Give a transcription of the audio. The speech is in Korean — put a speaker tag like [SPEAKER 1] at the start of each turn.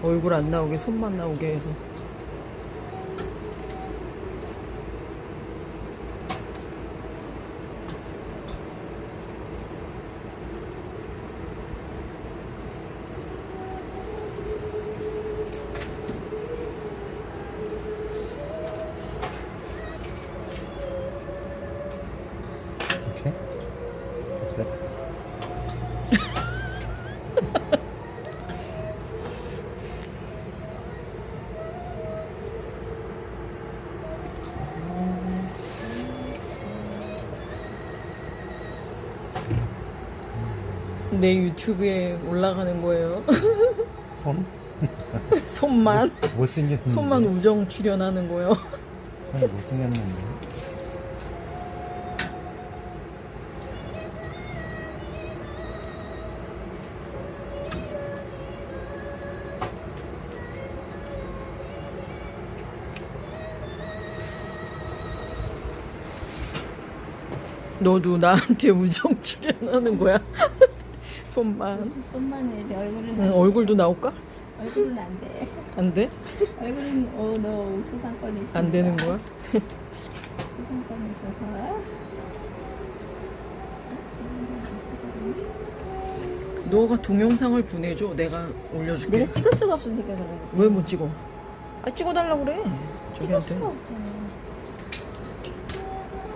[SPEAKER 1] 얼굴 안 나오게 손만 나오게 해서.
[SPEAKER 2] 오케이. 됐어요.
[SPEAKER 1] 내 유튜브에 올라가는 거예요.
[SPEAKER 2] 손?
[SPEAKER 1] 손만
[SPEAKER 2] 못생겼는데.
[SPEAKER 1] 손만 우정 출연하는 거예요.
[SPEAKER 2] 손이 못생겼는데.
[SPEAKER 1] 너도 나한테 우정 출연하는 거야? 손만.
[SPEAKER 3] 손만 해야 돼. 얼굴은
[SPEAKER 1] 응, 얼굴도 나올까?
[SPEAKER 3] 얼굴은 안 돼.
[SPEAKER 1] 안 돼?
[SPEAKER 3] 얼굴은 너 초상권이 있어.
[SPEAKER 1] 안 되는 거야?
[SPEAKER 3] 초상권이 있어서.
[SPEAKER 1] 너가 동영상을 보내줘. 내가 올려줄게.
[SPEAKER 3] 내가 찍을 수가 없으니까 그런 거지.
[SPEAKER 1] 왜 못 찍어? 아 찍어달라고 그래.
[SPEAKER 3] 찍을
[SPEAKER 1] 저기한테.
[SPEAKER 3] 수가 없잖아.